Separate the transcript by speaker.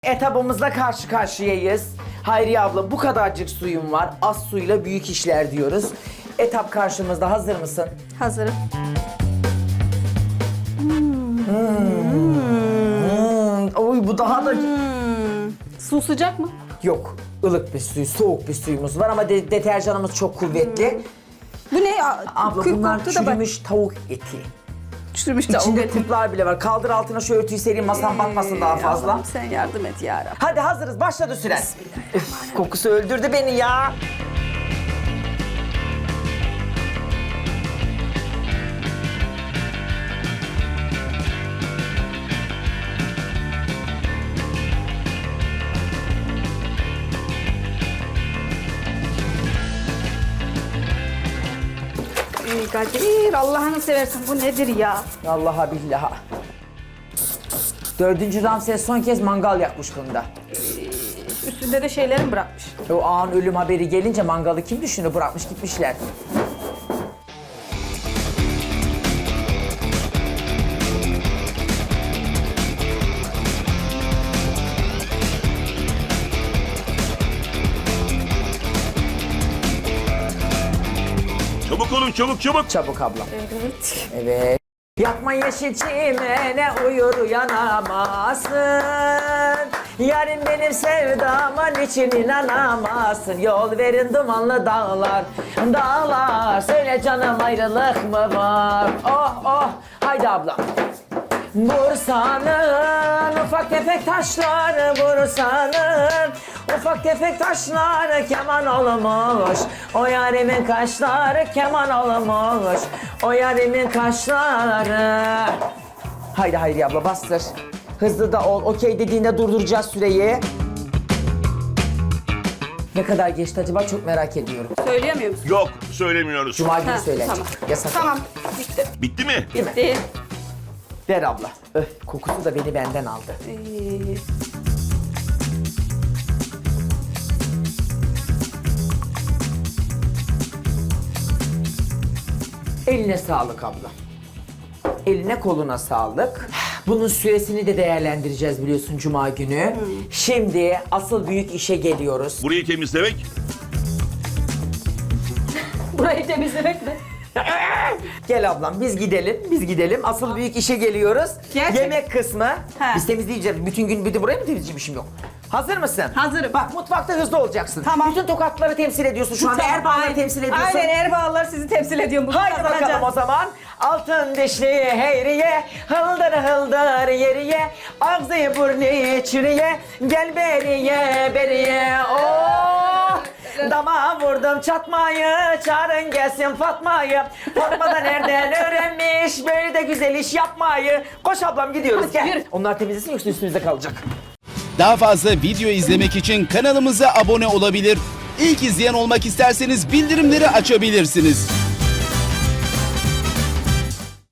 Speaker 1: Etabımızla karşı karşıyayız. Hayriye abla bu kadarcık suyum var. Az suyla büyük işler diyoruz. Etap karşımızda, hazır mısın?
Speaker 2: Hazırım.
Speaker 1: Oy bu daha da...
Speaker 2: Su sıcak mı?
Speaker 1: Yok, ılık bir suyu, soğuk bir suyumuz var ama deterjanımız çok kuvvetli.
Speaker 2: Bu ne?
Speaker 1: Abla
Speaker 2: Kül
Speaker 1: bunlar
Speaker 2: koktu da bak.
Speaker 1: çürümüş tavuk eti.
Speaker 2: Çürümüş tavuk
Speaker 1: İçinde
Speaker 2: eti.
Speaker 1: kurtlar bile var. Kaldır altına şu örtüyü sereyim, masam batmasın daha fazla.
Speaker 2: Allah'ım sen yardım et yarabbim.
Speaker 1: Hadi hazırız, başladı süren. Üf, kokusu öldürdü beni ya.
Speaker 2: Ey Kadir, Allah'ını seversen bu nedir ya?
Speaker 1: Vallahi billahi. 4. Ramses son kez mangal yakmış bunda.
Speaker 2: Üstünde de şeylerim bırakmış.
Speaker 1: O an ölüm haberi gelince mangalı kim düşünür? Bırakmış gitmişler.
Speaker 3: Çabuk olun, çabuk çabuk.
Speaker 1: Çabuk ablam.
Speaker 2: Evet.
Speaker 1: Evet. Yakma yeşil çimene uyur uyanamazsın. Yarın benim sevdama niçin inanamazsın. Yol verin dumanlı dağlar, dağlar. Söyle canım ayrılık mı var? Oh oh, haydi ablam. Bursa'nın ufak tefek taşları, Bursa'nın ufak tefek taşları keman olmuş. O yarimin kaşları keman olmuş. O yarimin kaşları. Haydi Hayri abla bastır. Hızlı da ol. Okey dediğinde durduracağız süreyi. Ne kadar geçti acaba çok merak ediyorum.
Speaker 2: Söyleyemiyor musun?
Speaker 3: Yok, söylemiyoruz.
Speaker 1: Cuma günü
Speaker 2: Ha,
Speaker 1: söylenecek.
Speaker 2: tamam.
Speaker 1: Yasak.
Speaker 2: Tamam, bitti.
Speaker 3: Bitti mi?
Speaker 2: Bitti.
Speaker 1: Ver abla. Öf, kokusu da beni benden aldı. Eline sağlık abla. Eline koluna sağlık. Bunun süresini de değerlendireceğiz biliyorsun Cuma günü. Şimdi asıl büyük işe geliyoruz.
Speaker 3: Burayı temizlemek.
Speaker 2: Burayı temizlemek mi?
Speaker 1: Gel ablam biz gidelim. Asıl büyük işe geliyoruz.
Speaker 2: Gerçek.
Speaker 1: Yemek kısmı.
Speaker 2: He.
Speaker 1: Biz temizleyeceğiz. Bütün gün bir de burayı mı temizleyeceğim yok. Hazır mısın?
Speaker 2: Hazırım.
Speaker 1: Bak mutfakta hızlı olacaksın.
Speaker 2: Tamam.
Speaker 1: Bütün tokatları temsil ediyorsun şu anda. Erbağları temsil ediyorsun.
Speaker 2: Aynen Erbağlar sizi temsil ediyorum. Bugün
Speaker 1: Haydi bakalım
Speaker 2: kazanacağız.
Speaker 1: o zaman. Altın dişli heyriye, hıldır hıldır yeriye, ağzı burnu çürüye, gel beriye beriye. Oh! Dama vurdum çatmayı, çağırın gelsin Fatma'yı. Fatma da nereden öğrenmiş böyle de güzel iş yapmayı. Koş ablam gidiyoruz
Speaker 2: Hadi
Speaker 1: gel.
Speaker 2: yürü.
Speaker 1: Onlar temizlesin yoksa üstümüzde kalacak.
Speaker 4: Daha fazla video izlemek için kanalımıza abone olabilir. İlk izleyen olmak isterseniz bildirimleri açabilirsiniz.